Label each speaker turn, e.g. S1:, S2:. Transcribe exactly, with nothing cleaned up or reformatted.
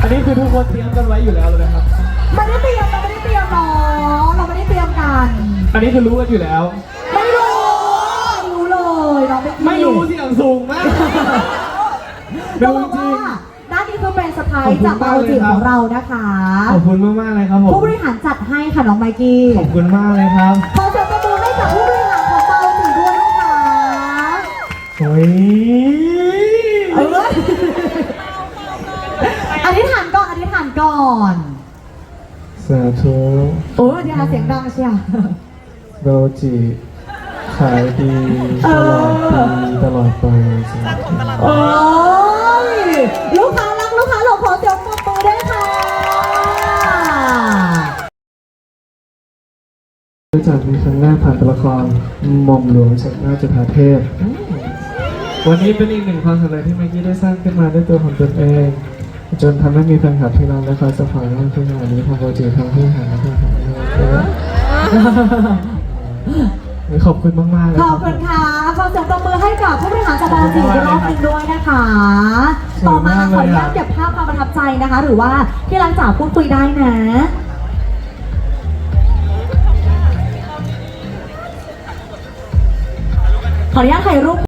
S1: อันนี้คือทุกคนเตรียมกันไว้อยู่แล้วเลยครับ
S2: ไม่ได้เตรียมเราไม่ได้เตรียมน้องเราไม่ได้เตรียมกัน
S1: อันนี้คือรู้กันอยู่แล้ว
S2: ไม่รู้รู้เลยเราไม่
S1: ไม่รู้เสียงสูงมาก
S2: ดูจริงด้านนี้คือเป็นสไตล์จากบาโอจิของเรานะคะ
S1: ขอบคุณมากๆเลยครับผม
S2: ผู้บริหารจัดให้ค่ะน้องไมกี้
S1: ขอบคุณมากเลยครับ
S2: ขอเสียงปรบมือให้กับผู้บริหารของบาโอจิด้วยนะคะ
S1: โอ้ย
S2: อธิษฐานก่อนอธิษฐานก่อน
S1: สาธุ
S2: โอ้ยเดี๋ยวเสียงดังเชียว
S1: โรจิขายดีตลอดปีตลอดไป
S2: โอ้ยลูกค้ารักลูกค้าหลงขอเสียงปรบมือด้วยค่ะ
S1: จากมีครั้งแรกผ่านละครหม่อมหลวงชักราชทาเทพวันนี้เป็นอีกหนึ่งความสำเร็จที่ไมค์กี้ได้สร้างขึ้นมาด้วยตัวของตนเองจนทำให้มีแฟนคลับที่รักและคอยสปอร์ตในทุกงานนี้ทำโปรเจกต์ทำให้หาและทำให้ขอบคุณมากๆเลย
S2: ขอบคุณค่ะขอเสียงปรบมือให้กับผู้บริหารจากบาโอจิอีกรอบหนึ่งด้วยนะคะต่อมาขออนุญาตเก็บภาพความประทับใจนะคะหรือว่าที่รักจ๋าพูดคุยได้นะขออนุญาตถ่ายรูป